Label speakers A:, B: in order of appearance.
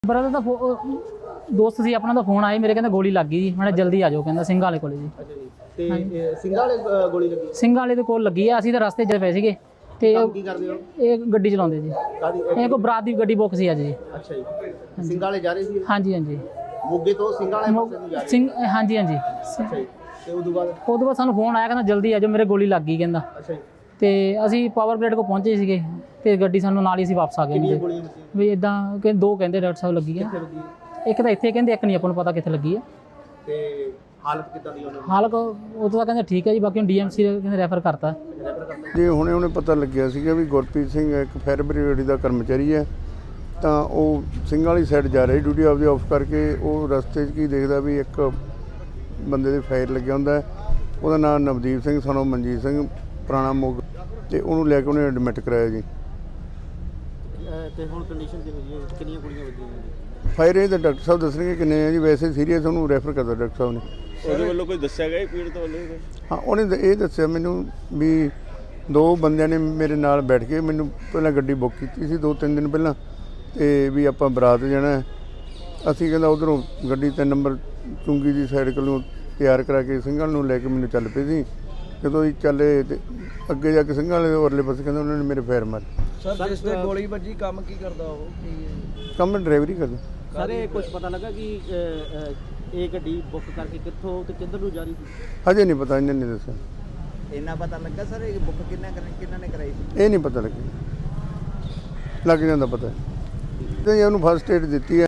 A: Brother ਦਾ ਦੋਸਤ ਸੀ ਆਪਣਾ ਦਾ phone ਆਇਆ ਮੇਰੇ, ਕਹਿੰਦਾ ਗੋਲੀ ਲੱਗ ਗਈ ਜੀ, ਮੈਂ ਜਲਦੀ ਆ ਜਾਓ, ਕਹਿੰਦਾ ਸਿੰਘਾਂ ਵਾਲੇ ਕੋਲੇ ਜੀ।
B: ਅੱਛਾ ਜੀ, ਤੇ ਸਿੰਘਾਂ ਵਾਲੇ ਗੋਲੀ ਲੱਗੀ?
A: ਸਿੰਘਾਂ ਵਾਲੇ ਦੇ ਕੋਲ ਲੱਗੀ ਆ, ਅਸੀਂ ਤਾਂ ਰਸਤੇ 'ਚ ਪਏ ਸੀਗੇ ਤੇ
B: ਕੀ ਕਰਦੇ ਹੋ?
A: ਇਹ ਗੱਡੀ ਚਲਾਉਂਦੇ ਜੀ,
B: ਕਾਦੀ?
A: ਇਹ ਕੋਈ ਬਰਾਤ ਦੀ ਗੱਡੀ ਬੁੱਕ ਸੀ ਅੱਜ ਜੀ।
B: ਅੱਛਾ ਜੀ, ਸਿੰਘਾਂ ਵਾਲੇ ਜਾ ਰਹੇ ਸੀ?
A: ਹਾਂਜੀ ਹਾਂਜੀ,
B: ਮੋਗੇ ਤੋਂ ਸਿੰਘਾਂ ਵਾਲੇ ਪਾਸੇ ਨੂੰ ਜਾ ਰਹੇ?
A: ਸਿੰਘ ਹਾਂਜੀ ਹਾਂਜੀ।
B: ਅੱਛਾ ਜੀ, ਤੇ ਉਦੋਂ ਬਾਅਦ
A: ਸਾਨੂੰ ਫੋਨ ਆਇਆ, ਕਹਿੰਦਾ ਜਲਦੀ ਆ ਜਾਓ, ਮੇਰੇ ਗੋਲੀ ਲੱਗ ਗਈ ਕਹਿੰਦਾ।
B: ਅੱਛਾ ਜੀ,
A: ਤੇ ਅਸੀਂ ਪਾਵਰ ਗ੍ਰਿਡ ਕੋਲ ਪਹੁੰਚੇ ਸੀਗੇ ਤੇ ਗੱਡੀ ਸਾਨੂੰ ਨਾਲ ਹੀ ਅਸੀਂ ਵਾਪਸ ਆ ਗਏ
B: ਕਿੰਨੀਆਂ ਗੋਲੀਆਂ ਵੱਜੀਆਂ?
A: ਵੀ ਇਦਾਂ ਕਿ ਦੋ ਕਹਿੰਦੇ ਡਾਕਟਰ ਸਾਹਿਬ ਲੱਗੀ ਆ,
B: ਕਿੱਥੇ ਵੱਜੀ?
A: ਇੱਕ ਤਾਂ ਇੱਥੇ ਕਹਿੰਦੇ, ਇੱਕ ਨਹੀਂ ਆਪਾਂ ਨੂੰ ਪਤਾ ਕਿੱਥੇ ਲੱਗੀ ਆ।
B: ਤੇ ਹਾਲਤ ਕਿੱਦਾਂ ਦੀ ਉਹਨਾਂ ਦੀ?
A: ਹਾਲਤ ਉਹ ਤਾਂ ਕਹਿੰਦੇ ਠੀਕ ਹੈ ਜੀ, ਬਾਕੀ ਹੁਣ ਡੀਐਮਸੀ ਕਹਿੰਦੇ ਰੈਫਰ ਕਰਤਾ
C: ਜੀ। ਹੁਣੇ ਪਤਾ ਲੱਗਿਆ ਸੀਗਾ ਵੀ ਗੁਰਪ੍ਰੀਤ ਸਿੰਘ ਇੱਕ ਫਾਇਰ ਬ੍ਰਿਗੇਡ ਦਾ ਕਰਮਚਾਰੀ ਹੈ, ਤਾਂ ਉਹ ਸਿੰਘ ਵਾਲੀ ਸਾਈਡ ਜਾ ਰਿਹਾ ਡਿਊਟੀ ਆਪਦੀ ਆਫ ਕਰਕੇ। ਉਹ ਰਸਤੇ 'ਚ ਕੀ ਦੇਖਦਾ ਵੀ ਇੱਕ ਬੰਦੇ ਦੇ ਫਾਇਰ ਲੱਗਿਆ ਹੁੰਦਾ ਹੈ, ਉਹਦਾ ਨਾਮ ਨਵਦੀਪ ਸਿੰਘ ਸਾਨੂੰ ਮਨਜੀਤ ਸਿੰਘ ਪੁਰਾਣਾ ਮੋਗ, ਤੇ ਉਹਨੂੰ ਲੈ ਕੇ ਉਹਨੇ ਐਡਮਿਟ ਕਰਾਇਆ ਜੀ।
B: ਤੇ ਹੁਣ ਕੰਡੀਸ਼ਨ ਕਿਹੋ ਜਿਹੀ ਹੈ? ਕਿੰਨੀਆਂ ਗੋਲੀਆਂ ਵੱਜੀਆਂ ਨੇ?
C: ਫਾਇਰ ਇਹ ਤਾਂ ਡਾਕਟਰ ਸਾਹਿਬ ਦੱਸਣਗੇ ਕਿੰਨੇ ਆ ਜੀ, ਵੈਸੇ ਸੀਰੀਅਸ ਉਹਨੂੰ ਰੈਫਰ ਕਰਦਾ ਡਾਕਟਰ ਸਾਹਿਬ ਨੇ।
D: ਉਹਦੇ ਵੱਲੋਂ ਕੋਈ ਦੱਸਿਆ ਗਿਆ ਪੀੜਤ ਵੱਲੋਂ?
C: ਹਾਂ, ਉਹਨੇ ਇਹ ਦੱਸਿਆ ਮੈਨੂੰ ਵੀ ਦੋ ਬੰਦਿਆਂ ਨੇ ਮੇਰੇ ਨਾਲ ਬੈਠ ਕੇ ਮੈਨੂੰ ਪਹਿਲਾਂ ਗੱਡੀ ਬੁੱਕ ਕੀਤੀ ਸੀ 2-3 ਦਿਨ ਪਹਿਲਾਂ, ਤੇ ਵੀ ਆਪਾਂ ਬਰਾਤ ਜਾਣਾ। ਅਸੀਂ ਕਹਿੰਦਾ ਉੱਧਰੋਂ ਗੱਡੀ 3 ਨੰਬਰ ਚੁੰਗੀ ਦੀ ਸਾਈਡ ਕੋਲੋਂ ਤਿਆਰ ਕਰਾ ਕੇ ਸਿੰਘਾਂ ਨੂੰ ਲੈ ਕੇ ਮੈਨੂੰ ਚੱਲ ਪਏ ਸੀ। ਜਦੋਂ ਅਸੀਂ ਚੱਲੇ ਤੇ ਅੱਗੇ ਜਾ ਕੇ ਸਿੰਘਾਂ ਵਾਲੇ ਉਰਲੇ ਪਾਸੇ ਕਹਿੰਦਾ ਉਹਨਾਂ ਨੇ ਮੇਰੇ ਫਾਇਰ ਮਾਰੇ।
E: ਸਰ ਜਿਸ ਤੇ ਗੋਲੀ ਵੱਜੀ ਕੰਮ ਕੀ ਕਰਦਾ ਉਹ?
C: ਕੰਮ ਡਰਾਈਵਰੀ ਕਰਦਾ।
B: ਸਰ ਇਹ ਕੁਝ ਪਤਾ ਲੱਗਾ ਕਿ ਇਹ ਗੱਡੀ ਬੁੱਕ ਕਰਕੇ ਕਿੱਥੋਂ ਤੇ ਕਿੱਧਰ ਨੂੰ ਜਾ ਰਹੀ ਸੀ?
C: ਹਜੇ ਨਹੀਂ ਪਤਾ, ਇਹਨਾਂ ਨੇ ਦੱਸਿਆ।
E: ਇੰਨਾ ਪਤਾ ਲੱਗਾ ਸਰ ਇਹ ਬੁੱਕ ਕਿੰਨਾ ਨੇ ਕਰਾਈ ਸੀ?
C: ਇਹ ਨਹੀਂ ਪਤਾ ਲੱਗਿਆ, ਲੱਗ ਜਾਂਦਾ ਪਤਾ ਤੇ ਉਹਨੂੰ ਫਸਟ ਏਡ ਦਿੱਤੀ ਹੈ।